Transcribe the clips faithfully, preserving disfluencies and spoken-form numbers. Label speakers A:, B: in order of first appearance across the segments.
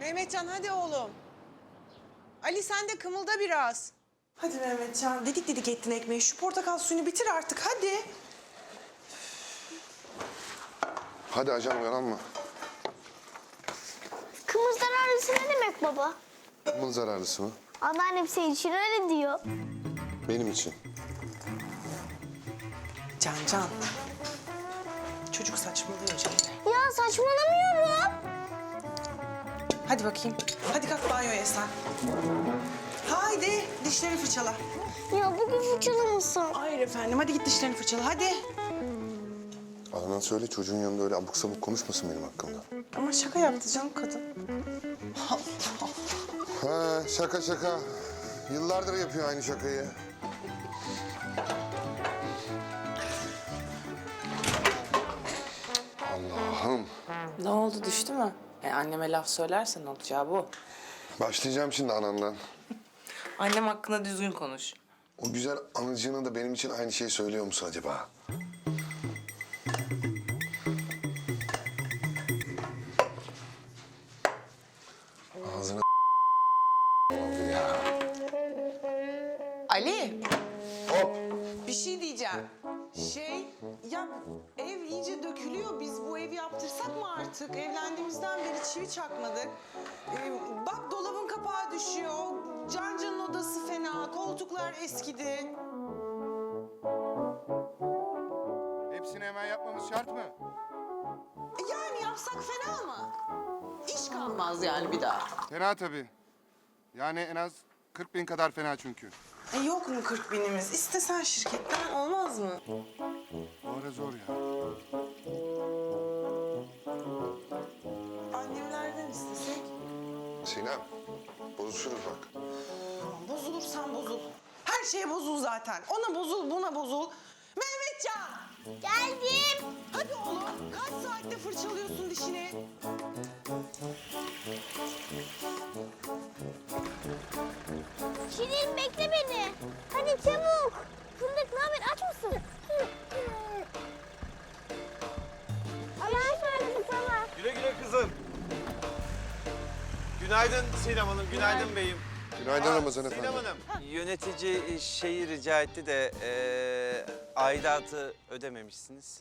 A: Mehmetcan hadi oğlum. Ali sen de kımılda biraz.
B: Hadi Mehmetcan, dedik dedik ettin ekmeği. Şu portakal suyunu bitir artık, hadi.
C: Hadi ajan uyanma.
D: Kımıl zararlısı ne demek baba?
C: Kımıl zararlısı mı?
D: Anneannem senin için öyle diyor.
C: Benim için.
B: Can Can. Çocuk saçmalıyor Cemre.
D: Ya saçmalamıyorum.
B: Hadi bakayım. Hadi kalk banyoya sen. Haydi dişlerini fırçala.
D: Ya bugün fırçalamasın.
B: Hayır efendim, hadi git dişlerini fırçala, hadi.
C: Adnan söyle çocuğun yanında öyle abuk sabuk konuşmasın benim hakkımda.
B: Ama şaka yaptı canım kadın.
C: Ha şaka şaka. Yıllardır yapıyor aynı şakayı. Allah'ım.
B: Ne oldu, düştü mü? E, anneme laf söylersen olacağı bu.
C: Başlayacağım şimdi anandan.
B: Annem hakkında düzgün konuş.
C: O güzel anacığına da benim için aynı şeyi söylüyor musun acaba? Ağzına oldu ya.
B: Ali,
C: Hop.
A: Bir şey diyeceğim. Şey, ya ev iyice dökülüyor. Biz bu evi yaptırsak mı artık? Evlendiğimizden beri çivi çakmadık. Ee, bak dolabın kapağı düşüyor. Cancan'ın odası fena. Koltuklar eskidi.
E: Hepsini hemen yapmamız şart mı?
A: E, Yani yapsak fena mı? İş kalmaz yani bir daha.
E: Fena tabii. Yani en az kırk bin kadar fena çünkü.
B: e, yok mu kırk binimiz? İstesen şirketten olmaz mı?
E: Bu ara zor ya.
B: Annemlerden istesek.
C: Sinem, bozuşuruz bak.
B: Tamam, bozulursan bozul. Her şeye bozul zaten. Ona bozul, buna bozul. Mehmetcan!
D: Geldim.
A: Hadi oğlum. Kaç saatte fırçalıyorsun dişini?
D: Şirin bekle beni. Hadi çabuk. Fındık ne haber, aç mısın? Allah'a ısmarladık sana.
F: Güle güle kızım. Günaydın Sinem Hanım, günaydın beyim.
C: Günaydın
F: Aa,
C: Ramazan efendi.
F: Sinem Hanım, yönetici şeyi rica etti de eee aidatı ödememişsiniz.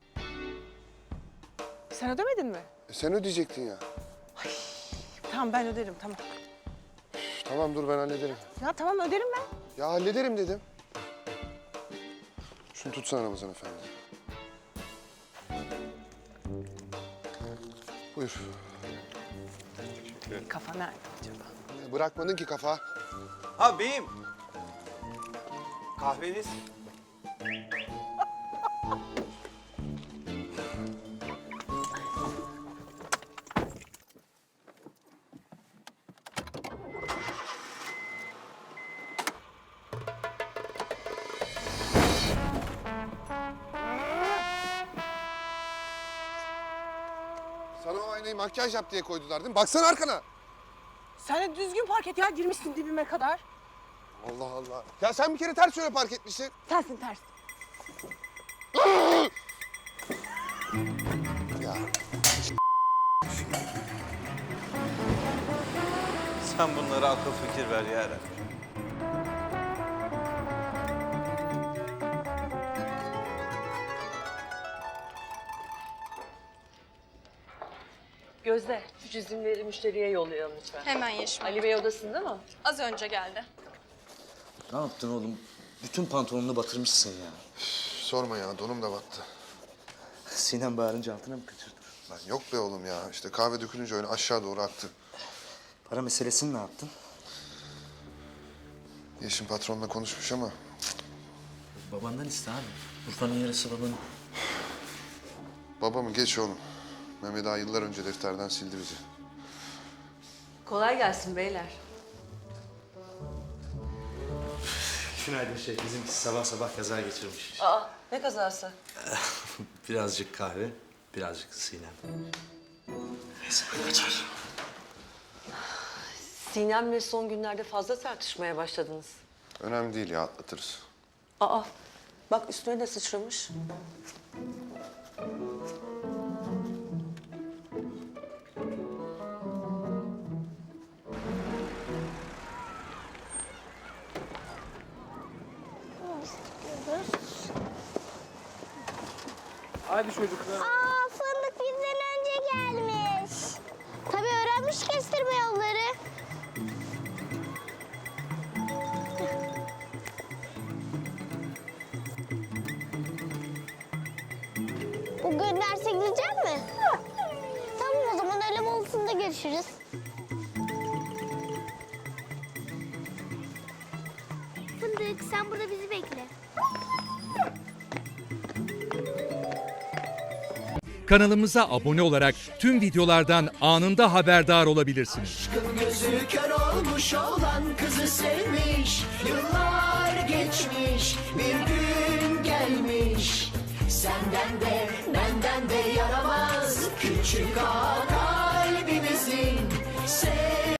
B: Sen ödemedin mi?
C: E, sen ödeyecektin ya.
B: Tamam, ben öderim, tamam.
C: Tamam dur ben hallederim.
B: Ya tamam, öderim ben.
C: Ya hallederim dedim. Şunu tutsana Ramazan efendi. Buyur.
B: Kafa nerede acaba?
C: E, bırakmadın ki kafa.
F: Ha beyim. Kahveniz.
C: Sana o aynayı makyaj yap diye koydular değil mi? Baksana arkana.
B: Sen de düzgün park et ya, girmişsin dibime kadar.
C: Allah Allah. Ya sen bir kere ters yöne park etmişsin.
B: Tersin ters.
C: Ya
F: Sen bunlara akıl fikir ver ya.
G: Gözde, şu çizimleri müşteriye yollayalım lütfen.
H: Hemen Yeşim.
G: Ali Bey odasında mı?
H: Az önce geldi.
I: Ne yaptın oğlum? Bütün pantolonunu batırmışsın ya.
C: sorma ya donum da battı.
I: Sinem bağırınca altına mı kaçırdın?
C: Lan yok be oğlum ya. İşte kahve dökülünce öyle aşağı doğru aktı.
I: Para meselesini ne yaptın?
C: Yeşim patronla konuşmuş ama
I: Babandan iste abi. Urfa'nın yarısı babanın.
C: babamı geç oğlum. Mehmet Ağa yıllar önce defterden sildi bizi.
G: Kolay gelsin beyler.
I: Günaydın şey. Bizimkisi sabah sabah kaza geçirmiş.
G: Aa, ne kazası?
I: Birazcık kahve, birazcık Sinem. Neyse ben kaçar.
G: Sinem'le son günlerde fazla tartışmaya başladınız.
C: Önemli değil ya atlatırız.
G: Aa, bak üstüne de sıçramış.
H: Hadi çocuklar.
D: Aa, fındık bizden önce gelmiş. Tabii öğrenmiş kestirme yolları. Bugün derse gidecek mi? Tamam, o zaman öğle molasında görüşürüz. Fındık, sen burada bizi bekle.
J: Kanalımıza abone olarak tüm videolardan anında haberdar olabilirsiniz.
K: Gözü kör olmuş olan kızı sevmiş. Yıllar geçmiş, bir gün gelmiş. Senden de benden de yaramaz küçük ağa kalbimizin.